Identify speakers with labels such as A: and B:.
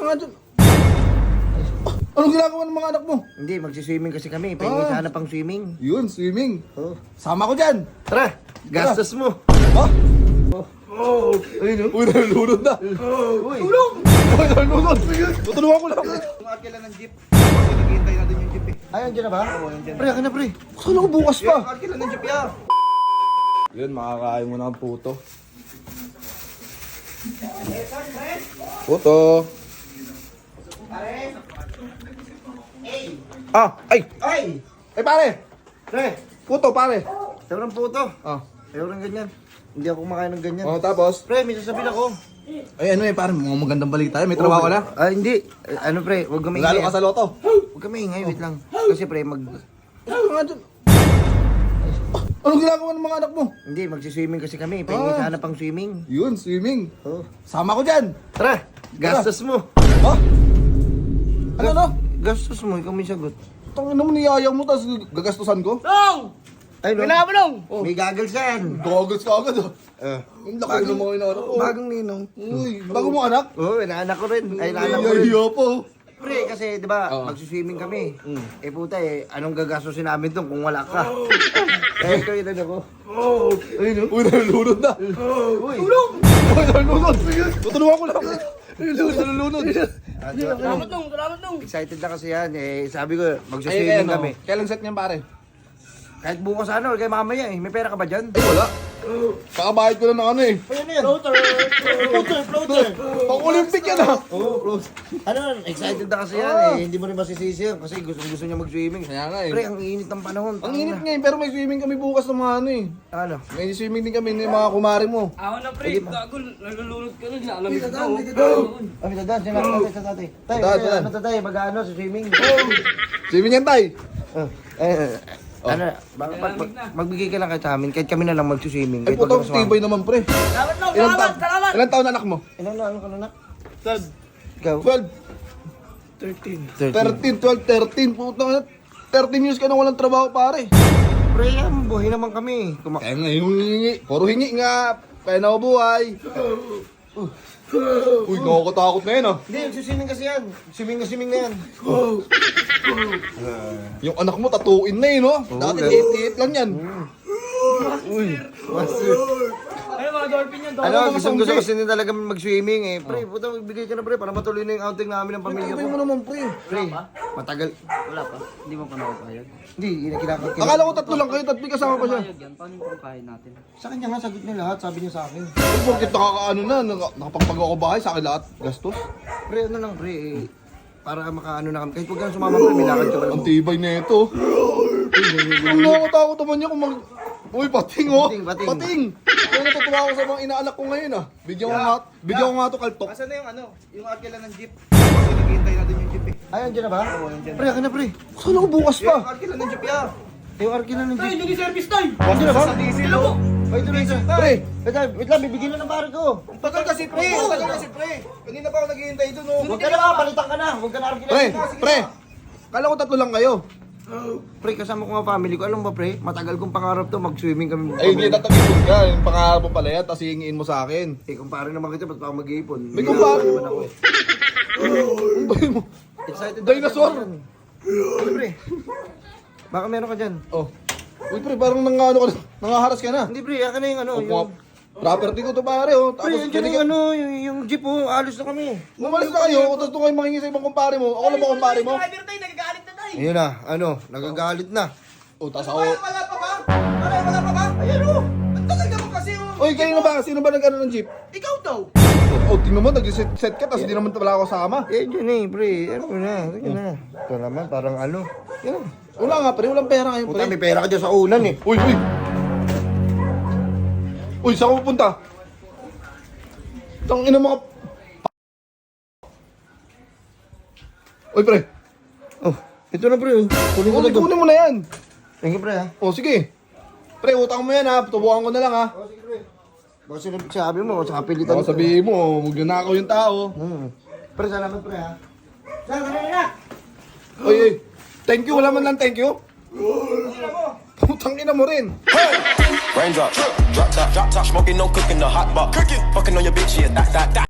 A: nga dyan. Anong ginagawa ng mga anak mo?
B: Hindi, magsiswimming kasi kami. Pahingi sana pang swimming.
A: Yun, swimming.
B: Oh.
A: Sama ko dyan.
B: Tara, gastos mo.
A: Ha?
B: Oh. Ayun,
A: Uy, nalulunod na.
B: Uy.
A: Tulong! Uy, nalulunod. Tutulungan ko lang.
B: Tumakit lang ng jeep. Kasi naghihintay natin yung jeep eh. Ay, andyan na ba? Oo, andyan na. Pre, akin na pre.
A: Saan ako bukas pa?
B: Tumakit lang ng jeep ya.
A: Yun, makakain mo na ang puto. Puto. Ah, ay!
B: Ay!
A: Ay, pare!
B: Pre,
A: Puto, pare.
B: sobrang puto.
A: Ah.
B: Ayaw ng ganyan. Hindi ako kumakain ng ganyan.
A: Oh, tapos?
B: Pre, may sasabihin ako.
A: Ay, ano eh, parang mga magandang balita. May trabaho ka na?
B: Ah, hindi. Ano pre, huwag kami
A: Lalo ka sa loto.
B: Huwag kami ingay, wait lang. Kasi pre,
A: Ano nga dyan? Anong ginagawa ng mga anak mo?
B: Hindi, magsiswimming kasi kami. Pahingi sana pang swimming.
A: Yun, swimming.
B: Oh.
A: Sama ko dyan.
B: Tara, gastos mo.
A: Ha? Ano?
B: Gastos mo, ikaw may sagot.
A: Tangin mo, niyayang mo, tapos gagastusan ko?
C: Nong!
B: Ay, no?
C: Kailangan mo nong!
A: Oh.
B: May goggles yan.
A: Goggles ka agad, ah. Ang laki ng mga inaarap ko.
B: Bagong ninong.
A: Uy, bago mo anak?
B: Oo, inaanak ko rin. Ay, inaanak ko
A: Ay,
B: rin.
A: hiya po.
B: Pre, kasi di ba,
A: Oo.
B: magsiswimming kami. Eh puta eh, anong gagastusin namin doon kung wala ka? Eh, ikaw yun ako.
A: Ay, no? Uy, nalulunod na.
B: Uy!
A: Uy, nalulunod. Tutulungan ko lang. Nalulunod.
C: Salamat nong! Salamat nong!
B: Excited na kasi yan. Eh, sabi ko, magsiswimming kami.
A: Kailan set niyan, pare?
B: Kahit bukas ano, kay mamaya eh. May pera ka ba dyan?
A: Ay, wala. Kakabayad ko na ng ano eh.
B: Ano yan?
C: Floater!
A: Pang-Olympic yan, ah.
B: Ano, excited na kasi yan eh. Hindi mo rin masisisi yan kasi gusto niya mag-swimming.
A: Kaya nga eh.
B: Pre, ang init ng panahon.
A: Ang init ngayon, pero may swimming kami bukas ng mga ano eh.
B: Ano?
A: May swimming din kami ng mga kumari mo.
C: Ako na pre, gago, nalulunod ka rin. Alamig ko.
B: Ah, may dadaan, sinabi tatay sa tatay. Tay,
A: Dadaan.
B: ano tatay, mag-ano sa swimming?
A: Swimming yan, tay.
B: Ano, magbigay ka lang kahit sa amin, kahit kami na lang mag-swimming.
A: Ay,
B: Kahit
A: puto,
B: wag ka sumama.
A: tibay naman, pre.
C: Salamat nong!
A: Ilan
C: Salamat! Salamat!
A: Ilan taon anak mo?
B: Ilan na, ano ka na nak?
A: 12.
B: Ikaw?
A: 12. 13, 12, 13. Puto, 13 years ka na walang trabaho, pare.
B: Pre, yan, buhay naman kami.
A: Kaya nga yung hingi. Puro hingi nga. Kaya na buhay. Uy, nakakatakot na yun, ah.
B: Hindi, swimming kasi yan. Swimming na yan.
A: Yung anak mo, tatuin na yun, no? Dati
B: Oo,
A: liit-liit lang yan.
B: Uy, master.
C: Ano mga dolphin yan?
B: Ano,
A: mga
B: gusto
A: sangge.
B: kasi nila talaga mag-swimming eh. Pre, puta, magbigay ka na pre, para matuloy na yung outing namin ng pamilya
A: Tibay mo
B: ko.
A: naman, pre.
B: Pre, matagal.
C: Wala pa. Hindi mo pa nakapayag.
B: Hindi, kinakit.
A: Akala ko tatlo lang kayo, tatlo kasama pa siya.
C: Yan, paano yung pangkain natin?
B: Sa kanya nga, sagot niya lahat, sabi niya sa akin.
A: Ay, bakit nakakaano na, nakapagpagawa ko bahay sa akin lahat, gastos.
B: Pre, ano lang pre, eh, para makaano na kami. Kahit huwag ka na sumama pre, may lakad ka pala.
A: Ang tibay na ito. Ang nakakatakot naman niya kung mag... Uy, pating, oh.
B: Pating.
A: Pating. Kaya natutuwa ako sa mga inaanak ko ngayon, ah. Bigyan ko nga to kaltok.
B: Asan na yung ano, yung akila ng jeep? Kasi naghihintay natin yung jeep eh. Ay, andyan na ba? Oo, andyan. Pre, akin na pre.
A: Saan ako bukas
B: Yung
A: pa?
B: akila ng jeep ya. Yung akila ng
C: Tay,
B: jeep.
C: hindi service tay!
B: Andyan na ba?
C: Sila po!
B: Wait, wait, wait.
A: Pre.
B: Wait lang, bibigyan na ng pare ko.
A: Tagal kasi, pre. Tagal kasi, pre. Kanina pa ako naghihintay doon, oh.
B: Huwag ka na, palitan ka na. Huwag ka na arkila.
A: Pre. Kala ko tatlo lang kayo.
B: Pre, kasama ko nga family ko. Alam ba pre, matagal kong pangarap to, mag-swimming kami.
A: Ay, hindi tatagipon ka. Yung pangarap mo pala yan, tapos hihingiin mo sa akin.
B: Eh, kumpare naman kita, ba't pa ako mag-iipon?
A: May kumpare.
B: naman ako eh.
A: Ang bahay mo.
B: Excited
A: Dinosaur.
B: ako dyan. Ano pre? Baka meron ka dyan.
A: Oh. Uy, pre, parang nangaharas ka na.
B: Hindi pre, akin na yung ano, yung...
A: Property ko to, pare, oh.
B: Pre,
A: Tapos,
B: andyan na yung ano, yung jeep oh, alis na kami.
A: umalis na kayo, tapos doon kayo mangingi sa ibang kumpare mo. Ako lang ba kumpare mo?
C: Driver tay, nagagalit na tay!
B: Ayun na, ano, nagagalit na.
A: Oh, tapos ako.
C: Wala pa ba? Wala pa ba? Ayan o! Ang tagal naman kasi o!
A: Oy, kayo na ba? Sino ba nag-ano ng jeep?
C: Ikaw daw!
A: Oh, tingnan mo, nag-set ka, tapos hindi naman wala ako kasama.
B: Eh, dyan eh, pre, ano na, sige na. Ito naman, parang ano. Yan.
A: Wala nga, pre, walang pera ngayon,
B: Puta,
A: pre.
B: may pera ka dyan sa ulan eh.
A: Uy, uy! Uy, saan ka pupunta? Tang ina mga... Uy, pre.
B: Oh, ito na pre, kunin ko na to.
A: Kunin mo na yan.
B: Thank you pre ha.
A: Oh, sige. Pre, utang mo yan, ha. Tubukan ko na lang, ha.
B: Oh, sige pre. Baka sinabi mo, sa kapilitan
A: Baka sabihin mo, magnanakaw yung tao.
B: Pre, salamat pre ha. Salamat na!
A: Uy, uy. Thank you, wala man lang thank you. Putang ina mo rin.
D: Raindrop, drop top, smoking, no cooking, the hot pot. Cooking, fucking on your bitch, yeah, that.